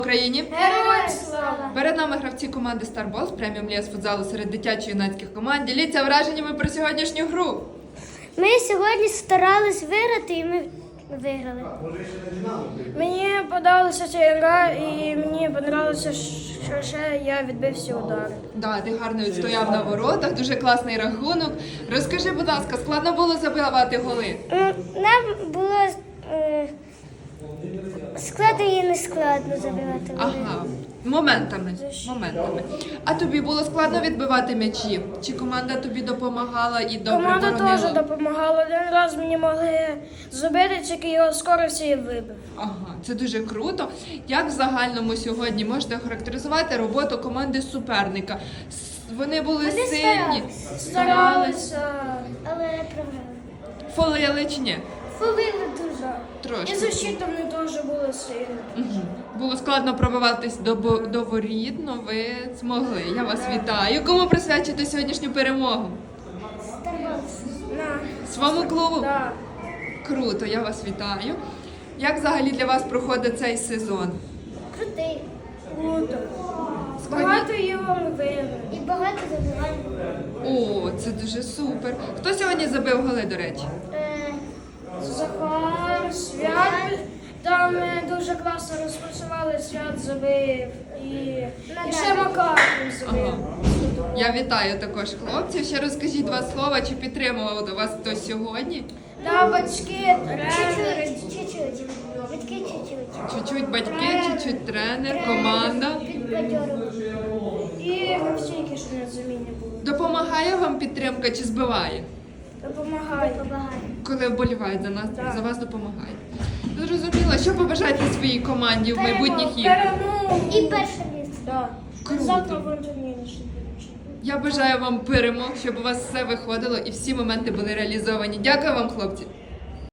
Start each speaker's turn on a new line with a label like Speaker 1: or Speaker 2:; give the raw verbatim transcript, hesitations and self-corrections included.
Speaker 1: Україні!
Speaker 2: Героям слава!
Speaker 1: Перед нами гравці команди Старбол з преміум ліс футзалу серед дитячо-юнацьких команд. Діліться враженнями про сьогоднішню гру.
Speaker 2: Ми сьогодні старались виграти і ми виграли.
Speaker 3: Мені подобалася ця гра і мені подобалося, що ще я відбив всі удари.
Speaker 1: Да, ти гарно відстояв на воротах, дуже класний рахунок. Розкажи, будь ласка, складно було забивати голи?
Speaker 2: М, Нам було е, складно і не складно забивати голи.
Speaker 1: Ага, моментами, моментами. А тобі було складно відбивати м'ячі? Чи команда тобі допомагала і добре
Speaker 3: Команда
Speaker 1: боронила?
Speaker 3: теж допомагала. Один раз мені могли зробити, тільки його скоро всі вибив.
Speaker 1: Ага, це дуже круто. Як в загальному сьогодні можете охарактеризувати роботу команди суперника? С- Вони були
Speaker 2: Вони
Speaker 1: сильні,
Speaker 2: старались.
Speaker 3: Старалися.
Speaker 2: Але програли.
Speaker 1: фолили чи ні?
Speaker 2: Фолили дуже.
Speaker 1: Трошки.
Speaker 3: І защита вони теж були сильні.
Speaker 1: Мгм. Було складно пробиватись до, бо- до воріт, але ви змогли. Я вас вітаю. Кому присвячите сьогоднішню перемогу?
Speaker 2: Старались.
Speaker 3: На.
Speaker 1: Своєму клубу?
Speaker 3: Да.
Speaker 1: Круто, я вас вітаю. Як взагалі для вас проходить цей сезон?
Speaker 2: Крутий.
Speaker 3: Круто. Багато його ми виграли.
Speaker 2: І багато забивань.
Speaker 1: О, це дуже супер. Хто сьогодні забив голи, до речі?
Speaker 2: Е,
Speaker 3: Захар, Свят. Там е, дуже класно розпрацювали, Свят забив. І, і ще Макар забив.
Speaker 1: Ага. Я вітаю також хлопців. Ще розкажіть два слова, чи підтримував до вас хтось сьогодні?
Speaker 3: Да, батьки, тренери.
Speaker 2: Чуть-чуть, чуть-чуть. Батьки чуть-чуть.
Speaker 1: Чуть-чуть батьки, чуть-чуть тренер, команда.
Speaker 2: Підбадьорили.
Speaker 3: І всі, що на заміні були.
Speaker 1: Допомагає вам підтримка чи збиває?
Speaker 3: Допомагають.
Speaker 2: Допомагає.
Speaker 1: Коли вболівають за нас,
Speaker 3: Так.
Speaker 1: за вас допомагає. Зрозуміло, що побажаєте своїй команді в майбутніх іграх?
Speaker 3: Перемогу.
Speaker 2: І перше місце.
Speaker 3: Да.
Speaker 1: Круто.
Speaker 3: Завтра в турнірі ще будемо.
Speaker 1: Я бажаю вам перемог, щоб у вас все виходило і всі моменти були реалізовані. Дякую вам, хлопці.